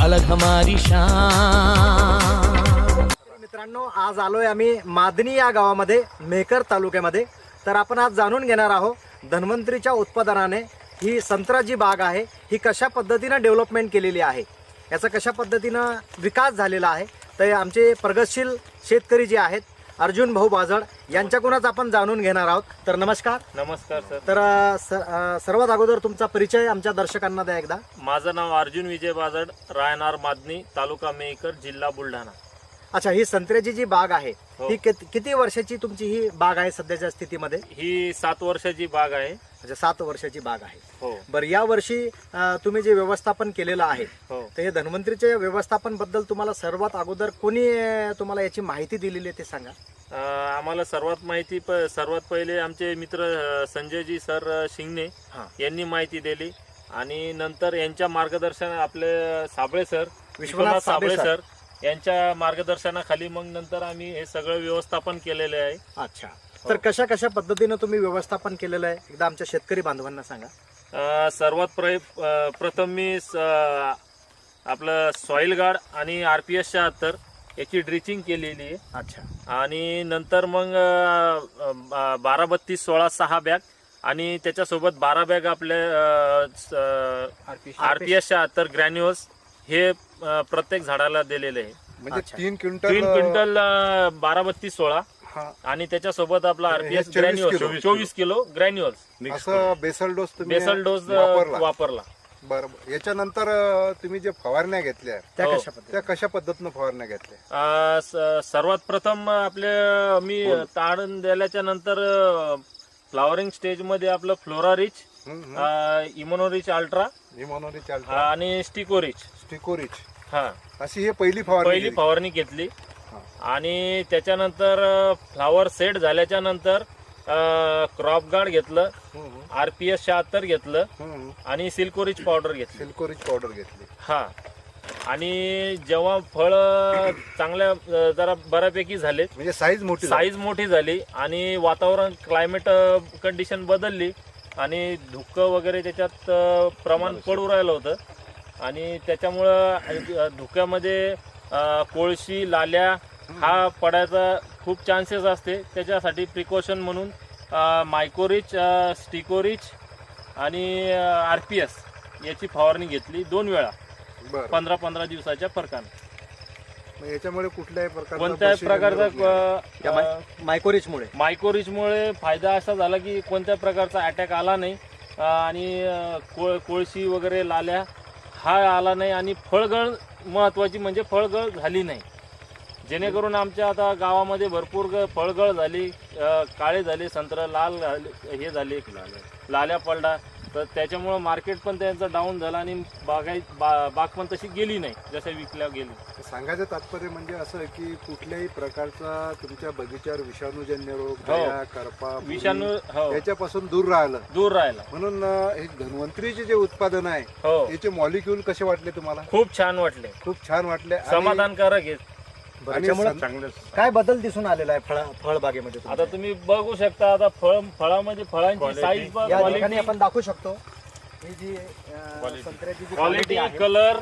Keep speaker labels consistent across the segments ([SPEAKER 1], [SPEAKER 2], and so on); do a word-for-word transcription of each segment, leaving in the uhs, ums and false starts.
[SPEAKER 1] अलग हमारी शान।
[SPEAKER 2] मित्रांनो, आज आलोय आम्ही मादनी या गावामध्ये, मेकर तालुक्यामध्ये। तर आपण आज जाणून घेणार आहोत धन्वंतरीच्या उत्पादनाने ही संत्रा जी बाग आहे ही कशा पद्धतीने डेव्हलपमेंट केलेली आहे, याचा कशा पद्धतीनं विकास झालेला आहे। तर आमचे प्रगतशील शेतकरी जे आहेत अर्जुन भाऊ बाजड यांच्याकडूनच आपण जाणून घेणार आहोत। तर नमस्कार।
[SPEAKER 3] नमस्कार सर।
[SPEAKER 2] तर अ, स- अ, सर्वात अगोदर तुमचा परिचय आमच्या दर्शकांना द्या एकदा।
[SPEAKER 3] माझं नाव अर्जुन विजय बाजड, राहणार मादनी, तालुका मेकर, जिल्हा बुलढाणा।
[SPEAKER 2] अच्छा, ही संत्र्याची जी बाग आहे
[SPEAKER 3] हो.
[SPEAKER 2] ही कित- किती वर्षाची तुमची ही बाग आहे सध्याच्या स्थितीमध्ये?
[SPEAKER 3] ही सात वर्षाची बाग आहे।
[SPEAKER 2] अच्छा, सात वर्षाची बाग आहे।
[SPEAKER 3] हो
[SPEAKER 2] बरं, या वर्षी अ, तुम्ही जे व्यवस्थापन केलेलं आहे
[SPEAKER 3] हो
[SPEAKER 2] तर हे धन्वंतरीच्या व्यवस्थापन बद्दल तुम्हाला सर्वात अगोदर कोणी अ, तुम्हाला याची माहिती दिलेली आहे ते सांगा।
[SPEAKER 3] अं, आम्हाला सर्वात माहिती प सर्वात पहिले आमचे मित्र अं, संजयजी सर अं, शिंगणे
[SPEAKER 2] हां,
[SPEAKER 3] यांनी माहिती दिली आणि नंतर यांच्या मार्गदर्शन आपले साबळे सर,
[SPEAKER 2] विश्वनाथ साबळे
[SPEAKER 3] सर यांच्या मार्गदर्शनाखाली मग नंतर आम्ही हे सगळं व्यवस्थापन केलेले आहे।
[SPEAKER 2] अच्छा, तर कशा कशा पद्धतीनं तुम्ही व्यवस्थापन केलेलं आहे एकदा आमच्या शेतकरी बांधवांना सांगा।
[SPEAKER 3] अं, सर्वात प्र अं, प्रथम मी स- अं, आपलं सॉइल गार्ड आणि आर पी एस शहात्तर याची ड्रिचिंग केलेली आहे
[SPEAKER 2] अच्छा,
[SPEAKER 3] आणि नंतर मग अं, अं, बारा बत्तीस सोळा सहा बॅग आणि त्याच्यासोबत बारा बॅग आपले आर पी एस शहात्तर ग्रॅन्युअल्स हे अं, प्रत्येक झाडाला दिलेले आहे।
[SPEAKER 4] म्हणजे
[SPEAKER 2] अच्छा.
[SPEAKER 4] तीन क्विंटल
[SPEAKER 3] तीन क्विंटल अं, बारा बत्तीस सोळा
[SPEAKER 4] हा,
[SPEAKER 3] आणि त्याच्यासोबत आपला
[SPEAKER 4] हे
[SPEAKER 3] आरपीएस
[SPEAKER 4] चोवीस
[SPEAKER 3] ग्रॅन्युअल्स
[SPEAKER 4] किलो.
[SPEAKER 3] चोवीस किलो ग्रॅन्युअल्स
[SPEAKER 4] असं बेसल डोस तुम्ही
[SPEAKER 3] बेसल डोस
[SPEAKER 4] वापरला.
[SPEAKER 3] वापरला।
[SPEAKER 4] बरोबर। याच्यानंतर अं, तुम्ही जे फवारण्या घेतल्या
[SPEAKER 2] त्या
[SPEAKER 3] हो.
[SPEAKER 2] कशा
[SPEAKER 4] त्या
[SPEAKER 2] पद्धतीनं?
[SPEAKER 4] कशा पद्धतीनं फवारण्या घेतल्या?
[SPEAKER 3] अ, स- सर्वात प्रथम आपले मी ताडण दिल्याच्या नंतर फ्लॉवरिंग स्टेज मध्ये आपलं फ्लोरा रिच,
[SPEAKER 4] हम्म, हम्म.
[SPEAKER 3] इमोनोरिच अल्ट्रा
[SPEAKER 4] इमोनोरी चालतं,
[SPEAKER 3] आणि स्टिकोरिच
[SPEAKER 4] स्टिकोरिच,
[SPEAKER 3] हा
[SPEAKER 4] अशी ही पहिली फवारणी
[SPEAKER 3] पहिली
[SPEAKER 4] केली.
[SPEAKER 3] फवारणी घेतली
[SPEAKER 4] हा.
[SPEAKER 3] आणि त्याच्यानंतर फ्लावर सेट झाल्याच्या नंतर क्रॉप गार्ड घेतलं,
[SPEAKER 4] हम्म, हम्म,
[SPEAKER 3] आरपीएस शहात्तर घेतलं
[SPEAKER 4] हम्म, हम्म.
[SPEAKER 3] आणि सिल्कोरिच पावडर घेतली।
[SPEAKER 4] सिल्कोरिच पावडर घेतली.
[SPEAKER 3] हा, आणि जेव्हा फळ चांगल्या अ, जरा बऱ्यापैकी झाले,
[SPEAKER 4] म्हणजे साईज मोठी झाली.
[SPEAKER 3] साईज मोठी झाली आणि वातावरण क्लायमेट कंडिशन बदलली आणि धुकं वगैरे त्याच्यात अ, प्रमाण पडू राहिलं होतं आणि त्याच्यामुळं अ, धुक्यामध्ये अ, कोळशी लाल्या हा पडायचा खूप चान्सेस असते। त्याच्यासाठी प्रिकॉशन म्हणून अ, मायकोरिच, अ, स्टिकोरिच आणि आर पी एस याची फवारणी घेतली दोन वेळा,
[SPEAKER 4] बरं.
[SPEAKER 3] पंधरा पंधरा दिवसाच्या फरकाने।
[SPEAKER 4] मग याच्यामुळे कुठल्याही प्रकारचा
[SPEAKER 3] कोणत्याही
[SPEAKER 4] बुरशीजन्य
[SPEAKER 3] प्रकारचा
[SPEAKER 4] रोग नाही.
[SPEAKER 2] या
[SPEAKER 3] अ,
[SPEAKER 2] माय- मायकोरिचमुळे
[SPEAKER 3] मायकोरिचमुळे फायदा असा झाला की कोणत्याही प्रकारचा अटॅक आला नाही अ, आणि अ, कोळ कोळशी वगैरे लाल्या हा आला नाही आणि फळगळ महत्त्वाची म्हणजे फळगळ झाली नाही, जेणेकरून आमच्या आता गावामध्ये भरपूर ग- फळगळ झाली, अ, काळे झाले संत्र, लाल झाले, हे झाले लाल्या पडला, तर त्याच्यामुळं मार्केट पण त्यांचं डाऊन झालं आणि बागाई बा बाग पण तशी गेली नाही जसं विकल्या गेली।
[SPEAKER 4] सांगायचं तात्पर्य म्हणजे असं आहे की कुठल्याही प्रकारचा तुमच्या बगीच्यावर विषाणूजन्य रोग,
[SPEAKER 3] हो.
[SPEAKER 4] दया, करपा,
[SPEAKER 3] विषाणू
[SPEAKER 4] बुरशी
[SPEAKER 3] हो
[SPEAKER 4] याच्यापासून दूर राहिलं
[SPEAKER 3] दूर राहिला।
[SPEAKER 4] म्हणून अं, हे धन्वंतरीचे जे उत्पादन आहे
[SPEAKER 3] हो,
[SPEAKER 4] याचे मॉलिक्यूल कसे वाटले तुम्हाला?
[SPEAKER 3] खूप छान वाटले,
[SPEAKER 4] खूप छान वाटले आणि-
[SPEAKER 3] समाधानकारक आहे।
[SPEAKER 2] बरं,
[SPEAKER 4] आणि
[SPEAKER 2] त्यामुळं
[SPEAKER 4] सं-
[SPEAKER 2] काय बदल दिसून आलेला आहे फळ फळबागेमध्ये तुमच्या?
[SPEAKER 3] आता तुम्ही बघू शकता, आता फळ फळामध्ये फळांची साईज
[SPEAKER 2] या ठिकाणी आपण दाखवू शकतो ही जी अ, संत्र्याची जी
[SPEAKER 3] क्वालिटी,
[SPEAKER 2] क्वालिटी आहे
[SPEAKER 3] कलर,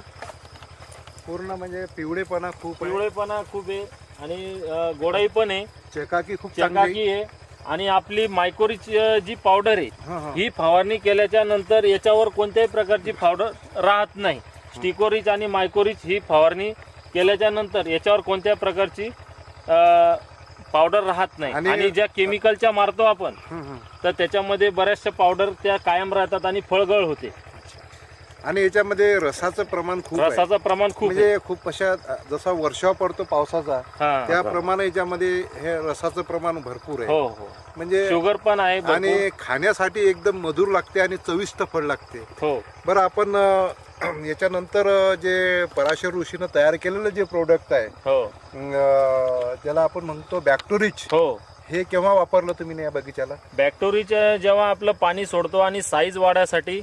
[SPEAKER 4] पूर्ण म्हणजे पिवळेपणा खूप आहे,
[SPEAKER 3] पिवळेपणा खूप आहे आणि अ, गोडाई पण आहे,
[SPEAKER 4] चकाकी खूप चांगली
[SPEAKER 3] चकाकी आहे आणि आपली मायकोरिच अ, जी पावडर आहे
[SPEAKER 4] हा, हा.
[SPEAKER 3] ही फवारणी केल्याच्या नंतर याच्यावर कोणत्याही प्रकारची पावडर राहत नाही। स्टिकोरिच आणि मायकोरिच ही फवारणी केल्याच्या नंतर याच्यावर कोणत्याही प्रकारची अ, पावडर राहत नाही
[SPEAKER 4] आणि-
[SPEAKER 3] आणि ज्या केमिकलच्या मारतो आपण
[SPEAKER 4] हं, हं.
[SPEAKER 3] तर त्याच्यामध्ये बऱ्याचशा पावडर त्या कायम राहतात आणि फळगळ होते,
[SPEAKER 4] आणि याच्यामध्ये रसाचं प्रमाण खूप आहे.
[SPEAKER 3] रसाचं प्रमाण खूप आहे।
[SPEAKER 4] म्हणजे खूप अशा जसा वर्षाव पडतो पावसाचा
[SPEAKER 3] हा.
[SPEAKER 4] त्याप्रमाणे याच्यामध्ये हे रसाचं प्रमाण भरपूर आहे.
[SPEAKER 3] हो हो,
[SPEAKER 4] म्हणजे
[SPEAKER 3] शुगर पण आहे भरपूर.
[SPEAKER 4] आणि खाण्यासाठी एकदम मधुर लागते आणि चविष्ट फळ लागते.
[SPEAKER 3] हो
[SPEAKER 4] बरं, आपण अं, याच्यानंतर अं, जे पराशर ऋषीनं तयार केलेलं जे प्रोडक्ट आहे
[SPEAKER 3] हो
[SPEAKER 4] अं, त्याला आपण म्हणतो बॅक्टोरिच,
[SPEAKER 3] हो,
[SPEAKER 4] हे केव्हा वापरलं तुम्ही या बगीच्याला?
[SPEAKER 3] बॅक्टोरीच्या जेव्हा आपलं पाणी सोडतो आणि साईज वाढायसाठी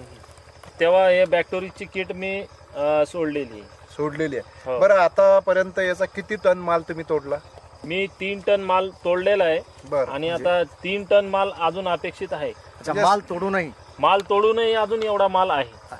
[SPEAKER 3] तेव्हा हे बॅक्टोरीची किट मी अ, सोडलेली आहे।
[SPEAKER 4] सोडलेली
[SPEAKER 3] हो.
[SPEAKER 4] आहे. बरं, आतापर्यंत याचा किती टन माल तुम्ही तोडला?
[SPEAKER 3] मी तीन टन माल तोडलेला आहे
[SPEAKER 4] बरं,
[SPEAKER 3] आणि
[SPEAKER 4] म्हणजे-
[SPEAKER 3] आता तीन टन माल अजून अपेक्षित आहे।
[SPEAKER 2] अच्छा, माल तोडूनही
[SPEAKER 3] माल तोडूनही अजून एवढा माल आहे।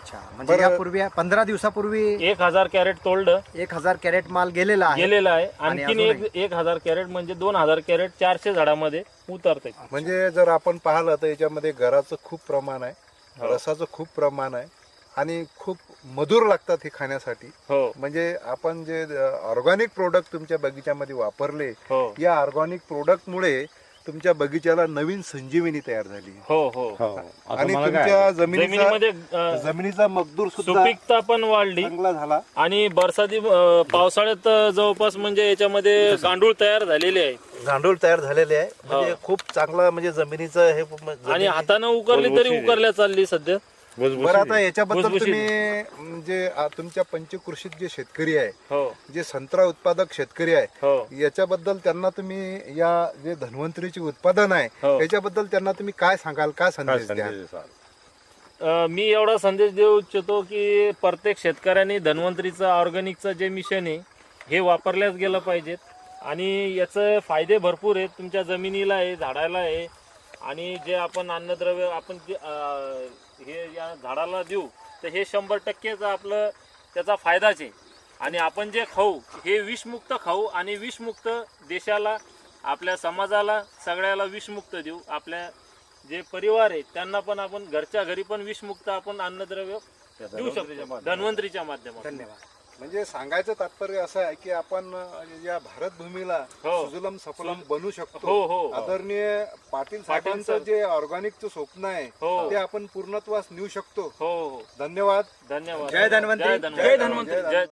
[SPEAKER 2] अच्छा, म्हणजे
[SPEAKER 4] बरं.
[SPEAKER 2] यापूर्वी पंधरा दिवसापूर्वी
[SPEAKER 3] एक हजार कॅरेट तोडलं
[SPEAKER 2] एक हजार कॅरेट माल गेलेला आहे.
[SPEAKER 3] गेलेलं आहे.
[SPEAKER 2] आणि
[SPEAKER 3] आणखीन
[SPEAKER 2] अजूनही?
[SPEAKER 3] एक एक हजार कॅरेट म्हणजे दोन हजार कॅरेट चारशे झाडामध्ये उतरते.
[SPEAKER 4] म्हणजे जर आपण पाहिलं तर याच्यामध्ये गराचं खूप प्रमाण आहे,
[SPEAKER 3] हो.
[SPEAKER 4] रसाचं खूप प्रमाण आहे आणि खूप मधुर लागतात हे खाण्यासाठी.
[SPEAKER 3] हो
[SPEAKER 4] म्हणजे आपण जे ऑर्गॅनिक प्रोडक्ट तुमच्या बगीच्यामध्ये वापरले,
[SPEAKER 3] हो
[SPEAKER 4] या ऑर्गॅनिक प्रोडक्टमुळे तुमच्या बगीच्याला नवीन संजीवनी तयार झाली
[SPEAKER 3] हो हो
[SPEAKER 4] आणि तुमच्या जमिनीचा
[SPEAKER 3] जमिनीमध्ये अं,
[SPEAKER 4] जमिनीचा मजदूर सुद्धा
[SPEAKER 3] सुपीकता पण वाढली
[SPEAKER 4] चांगला झाला.
[SPEAKER 3] आणि बरसाती अं, पावसाळ्यात जवळपास म्हणजे याच्यामध्ये गांडूळ तयार झालेले आहे
[SPEAKER 1] गांडूळ तयार झालेले आहे. म्हणजे खूप चांगला म्हणजे जमिनीचं हे जमीन-
[SPEAKER 3] आणि हातानं उकरली तरी उकरल्या चालली सध्या.
[SPEAKER 4] बरं, आता याच्याबद्दल
[SPEAKER 3] भुसभुशीत.
[SPEAKER 4] तुम्ही म्हणजे आ, तुमच्या पंचकृषीत जे शेतकरी आहे,
[SPEAKER 3] हो
[SPEAKER 4] जे संत्रा उत्पादक शेतकरी आहे,
[SPEAKER 3] हो
[SPEAKER 4] याच्याबद्दल त्यांना तुम्ही या जे धन्वंतरीचे उत्पादन आहे
[SPEAKER 3] हो.
[SPEAKER 4] याच्याबद्दल त्यांना तुम्ही काय सांगाल, काय संदेश द्याल?
[SPEAKER 3] अं, मी एवढा संदेश देऊ इच्छितो की प्रत्येक शेतकऱ्यांनी धन्वंतरीचं ऑर्गॅनिकचं जे मिशन आहे हे वापरल्याच गेलं पाहिजेत. आणि याचे फायदे भरपूर आहेत. तुमच्या जमिनीला आहे, झाडाला आहे, आणि जे आपण अन्नद्रव्य आपण जे अं, हे या झाडाला देऊ तर हे शंभर टक्केच आपलं त्याचा फायदाच आहे. आणि आपण जे खाऊ हे विषमुक्त खाऊ आणि विषमुक्त देशाला, आपल्या समाजाला, सगळ्याला विषमुक्त देऊ. आपल्या जे परिवार आहे त्यांना पण आपण घरच्या घरी पण विषमुक्त आपण अन्नद्रव्य देऊ शकतो धन्वंतरीच्या माध्यमातून.
[SPEAKER 2] धन्यवाद.
[SPEAKER 4] म्हणजे सांगायचं तात्पर्य असं आहे की आपण या भारत भूमीला
[SPEAKER 3] हो.
[SPEAKER 4] सुजलम सफलम बनू शकतो.
[SPEAKER 3] हो हो
[SPEAKER 4] आदरणीय पाटील
[SPEAKER 3] पाटील
[SPEAKER 4] साहेबांचं
[SPEAKER 3] सर.
[SPEAKER 4] जे ऑर्गॅनिकचं स्वप्न आहे
[SPEAKER 3] हो.
[SPEAKER 4] ते आपण पूर्णत्वास नेऊ शकतो.
[SPEAKER 3] हो हो
[SPEAKER 4] धन्यवाद.
[SPEAKER 3] धन्यवाद.
[SPEAKER 2] जय धन्वंतरी.
[SPEAKER 3] जय धन्वंतरी. जय